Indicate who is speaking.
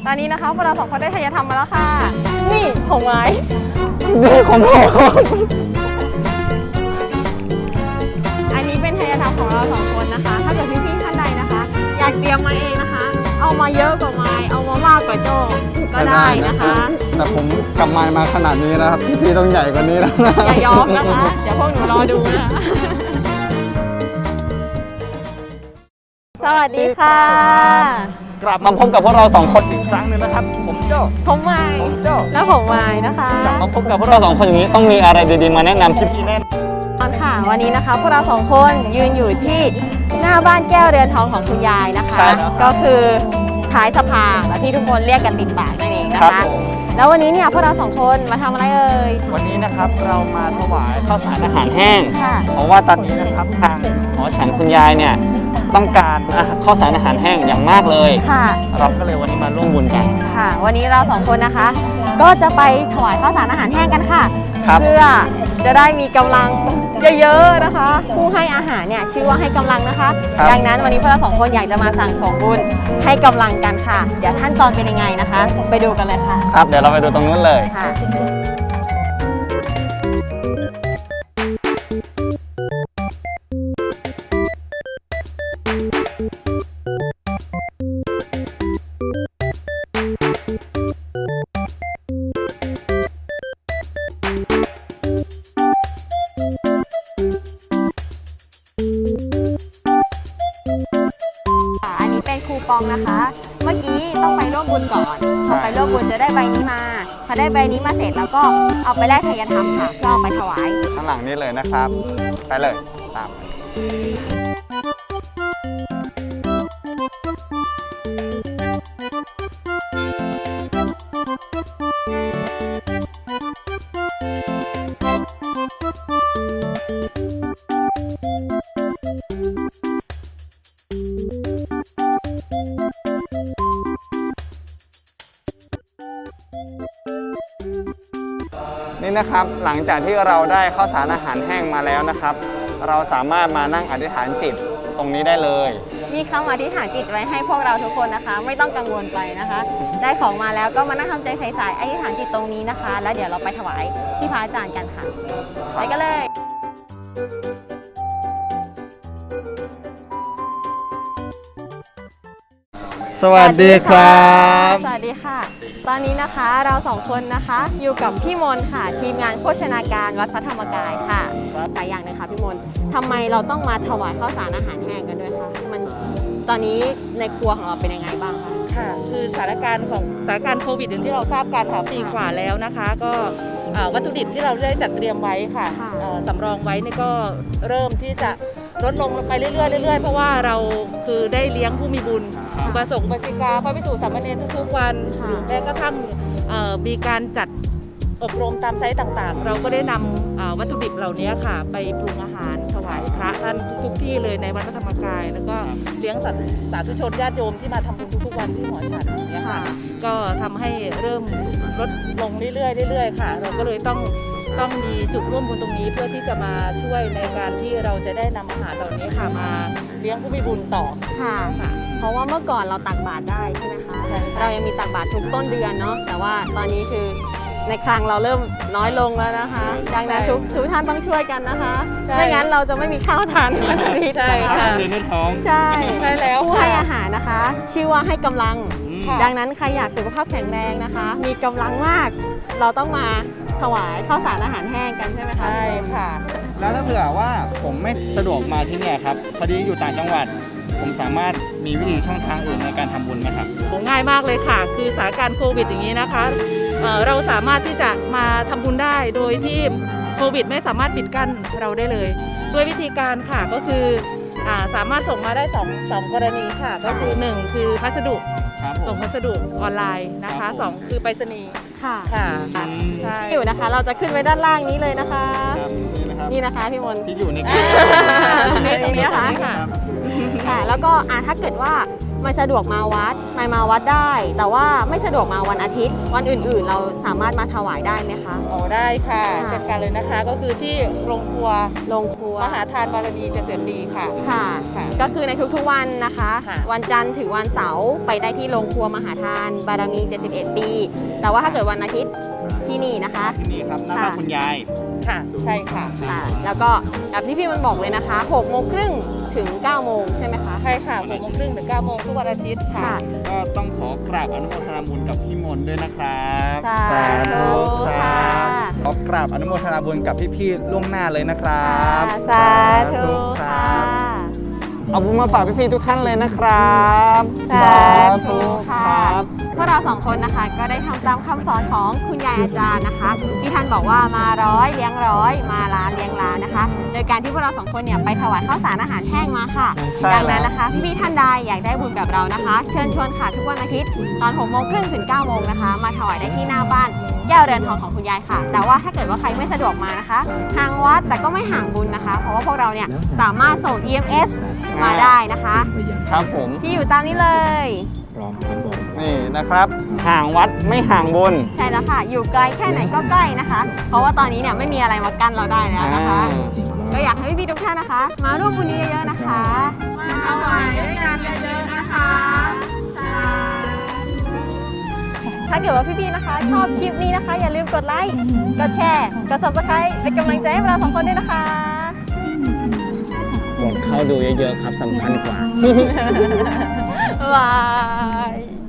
Speaker 1: ตอนนี้นะคะพวกเรา2คนได้ทายธรรมมาแล้วค่ะนี่ของไม้
Speaker 2: นี่ของผม
Speaker 1: อันนี้เป็นทายธรรมของเรา2คนนะคะถ้าเกิดพี่ๆท่านใดนะคะอยากเตรียมมาเองนะคะเอามาเยอะกว่าไม้เอามามากกว่าโจก็ได้นะคะ
Speaker 2: แต่ผมกลับมาขนาดนี้นะครับพี่ต้องใหญ่กว่านี้แล้วนะ
Speaker 1: อย่ายอมนะคะเดี๋ยวพวกหนูรอดูนะสวัสดีค่ะ
Speaker 2: กลับมาพบกับพวกเรา2คนอีกครั้งหนึ่งนะครับผมโจ้
Speaker 1: ผมไม้และผมไม้นะคะ
Speaker 2: กลับมาพบกับพวกเรา2คนอย่างนี้ต้องมีอะไรดีๆมาแนะนำคลิปนี้แน่
Speaker 1: นอนค่ะวันนี้นะคะพวกเรา2คนยืนอยู่ที่หน้าบ้านแก้วเรือนทองของคุณยายนะคะก็คือท้ายสภาและที่ทุกคนเรียกกันติดปากนั่นเองนะคะแล้ววันนี้เนี่ยพวกเรา2คนมาทำอะไรเอ่ย
Speaker 2: วันนี้นะครับเรามาถวายข้าวสารอาหารแห้งเพราะว่าตอนนี้นะครับทางหมอฉันคุณยายเนี่ยต้องการข้าวสารอาหารแห้งอย่างมากเลยค่ะเราก็เลยวันนี้มาร่วมบุญกัน
Speaker 1: ค่ะวันนี้เรา2คนนะคะก็จะไปถวายข้าวสารอาหารแห้งกันค่ะเพื่อจะได้มีกำลังเยอะๆนะคะผู้ให้อาหารเนี่ยชื่อว่าให้กำลังนะคะดังนั้นวันนี้พวกเรา2คนอยากจะมาสั่งสมบุญให้กำลังกันค่ะเดี๋ยวขั้นตอนเป็นยังไงนะคะไปดูกันเลยค่ะ
Speaker 2: ครับเดี๋ยวเราไปดูตรงนู้นเลยค่ะ
Speaker 1: อันนี้เป็นคูปองนะคะเมื่อกี้ต้องไปร่วมบุญก่อนพอไปร่วมบุญจะได้ใบนี้มาพอได้ใบนี้มาเสร็จแล้วก็เอาไปแลกทายธรรมค่ะก็เอาไปถวาย
Speaker 2: ข้างหลังนี้เลยนะครับไปเลยตามนี่นะครับหลังจากที่เราได้ข้าวสารอาหารแห้งมาแล้วนะครับเราสามารถมานั่งอธิษฐานจิตตรงนี้ได้เลย
Speaker 1: มีคำอธิษฐานจิตไว้ให้พวกเราทุกคนนะคะไม่ต้องกังวลไปนะคะได้ของมาแล้วก็มานั่งทำใจใสๆอธิษฐานจิตตรงนี้นะคะแล้วเดี๋ยวเราไปถวายที่พระอาจารย์กันค่ะไปกันเลย
Speaker 2: สวัสดีครับ
Speaker 1: สวัสดีค่ะตอนนี้นะคะเรา2คนนะคะอยู่กับพี่มนค่ะทีมงานโภชนาการวัดพระธรรมกายค่ะสายอย่างนะคะพี่มนทำไมเราต้องมาถวายข้าวสารอาหารแห้งกันด้วยคะมันตอนนี้ในครัวของเราเป็นยังไงบ้างคะ
Speaker 3: ค่ะคือสถานการณ์โควิดอย่างที่เราทราบกันค่ะปีกว่าแล้วนะคะก็วัตถุดิบที่เราได้จัดเตรียมไว้ค่ะสำรองไว้นี่ก็เริ่มที่จะลดลงไปเรื่อยๆเพราะว่าเราคือได้เลี้ยงผู้มีบุญอุปสงค์อุบาสิกาพระภิกษุสามเณรทุกๆวันแม้กระทั่งมีการจัดอบรมตามไซต์ต่างๆเราก็ได้นำวัตถุดิบเหล่านี้ค่ะไปปรุงอาหารถวายพระท่านทุกที่เลยในวัดพระธรรมกายแล้วก็เลี้ยงสาธุชนญาติโยมที่มาทำบุญทุกๆวันที่หอฉันเนี่ยค่ะก็ทำให้เริ่มลดลงเรื่อยๆค่ะเราก็เลยต้องมีจุดร่วมบุญตรงนี้เพื่อที่จะมาช่วยในการที่เราจะได้นำอาหารเหล่านี้ค่ะมาเลี้ยงผู้มีบุญต่อ
Speaker 1: ค่ะเพราะว่าเมื่อก่อนเราตักบาตรได้ใช่ไหมคะเรายังมีตักบาตรทุกต้นเดือนเนาะแต่ว่าตอนนี้คือในคลังเราเริ่มน้อยลงแล้วนะคะดังนั้นทุกท่านต้องช่วยกันนะคะไม่งั้นเราจะไม่มีข้าวทาน
Speaker 3: ใช่ค่ะ
Speaker 1: ใช่
Speaker 3: แล้ว
Speaker 1: ผู้ให้อาหารนะคะชื่อว่าให้กำลังดังนั้นใครอยากสุขภาพแข็งแรงนะคะมีกำลังมากเราต้องมาถวายข้าวสารอาหารแห้งกันใช่ไหมคะ
Speaker 3: ใช่ค่ะ
Speaker 2: แล้วถ้าเผื่อว่าผมไม่สะดวกมาที่นี่ครับพอดีอยู่ต่างจังหวัดผมสามารถมีวิธีช่องทางอื่นในการทำบุญไหมครับ
Speaker 3: ง่ายมากเลยค่ะคือสถานการณ์โควิดอย่างนี้นะคะเราสามารถที่จะมาทำบุญได้โดยที่โควิดไม่สามารถปิดกั้นเราได้เลยด้วยวิธีการค่ะก็คือสามารถส่งมาได้2กรณีค่ะก็คือ1คือพัสดุส่งพัสดุออนไลน์นะคะ2คือไปรษณีย์
Speaker 1: ค่ะ
Speaker 3: ใช่
Speaker 1: อยู่นะคะเราจะขึ้นไว้ด้านล่างนี้เลยนะคะนี่นะคะพี่มน
Speaker 2: ที่อยู่ใน
Speaker 1: ตรงนี้นะคะค่ะแล้วก็ถ้าเกิดว่าไม่สะดวกมาวัดมาวัดได้ แต่ว่าไม่สะดวกมาวันอาทิตย์ วันอื่นๆ เราสามารถมาถวายได้ไหมคะ
Speaker 3: อ๋อได้ค่ะ
Speaker 1: ค่ะ
Speaker 3: จัดการเลยนะคะก็คือที่โรงครัว
Speaker 1: โรงครัว
Speaker 3: มหาทานบารมีเกษมดีค่ะ
Speaker 1: ค่ะ
Speaker 3: ค่ะ
Speaker 1: ก็คือในทุกๆวันนะคะ
Speaker 3: ค่ะ
Speaker 1: วันจันทร์ถึงวันเสาร์ไปได้ที่โรงครัวมหาทานบารมี 71 ปี แต่ว่าถ้าเกิดวันอาทิตย์ที่นี่นะคะ
Speaker 2: ที่นี่ครับหน้าบ้านคุณยาย
Speaker 3: ค่ะใช่ค่ะ
Speaker 1: ค่ะ แล้วก็แบบที่พี่มันบอกเลยนะคะ6 โมงครึ่งถึง 9 โมงใช่ไหมคะ
Speaker 3: ใช่ค่ะ6 โมงครึ่งถึง 9 โมงทุกวันอาทิตย์ค่ะ
Speaker 1: ค่ะ
Speaker 2: ก็ต้องขอกราบอนุโมทนาบุญกับพี่มนต์ด้วยนะครับ
Speaker 1: สาธุค่ะ
Speaker 2: ขอกราบอนุโมทนาบุญกับพี่ๆล่วงหน้าเลยนะครับ
Speaker 1: สาธุค่ะ
Speaker 2: เอาบุญมาฝากพี่ๆทุกท่านเลยนะครับ
Speaker 1: สาธุค่ะพวกเราสองคนนะคะก็ได้ทำตามคำสอนของคุณยายอาจารย์นะคะ ที่ท่านบอกว่ามาร้อยเลี้ยงร้อยมาล้านเลี้ยงล้านนะคะ โดยการที่พวกเราสองคนเนี่ยไปถวายข้าวสารอาหารแห้งมาค่ะ
Speaker 2: ใช่
Speaker 1: ดังนั้นนะคะพี่ๆท่านใดอยากได้บุญแบบเรานะคะ เชิญชวนค่ะทุกวันอาทิตย์ตอน6 โมงครึ่งถึง 9 โมงนะคะ มาถวายได้ที่หน้าบ้านแก้วเรือนทองของคุณยายค่ะ แต่ว่าถ้าเกิดว่าใครไม่สะดวกมานะคะห่างวัดแต่ก็ไม่ห่างบุญนะคะ เพราะว่าพวกเราเนี่ยสามารถส่ง EMS มาได้นะคะ
Speaker 2: ครับผม
Speaker 1: ที่อยู่ตามนี้เลย
Speaker 2: นี่นะครับ ห่างวัดไม่ห่างบุญ
Speaker 1: ใช่แล้วค่ะ อยู่ไกลแค่ไหนก็ใกล้นะคะ เพราะว่าตอนนี้เนี่ยไม่มีอะไรมากั้นเราได้แล้วนะคะ ก็อยากให้พี่ๆทุกท่านนะคะ มาร่วมบุญนี้เยอะๆนะคะ มาถวายด้วยกันเยอะๆนะคะถ้าเกิดว่าพี่ๆนะคะ ชอบคลิปนี้นะคะ อย่าลืมกดไลค์ กดแชร์ กด subscribe เป็นกำลังใจให้เราสองคนด้วยนะคะ
Speaker 2: กดเข้าดูเยอะๆครับสำคัญกว่า
Speaker 1: บ๊ายบาย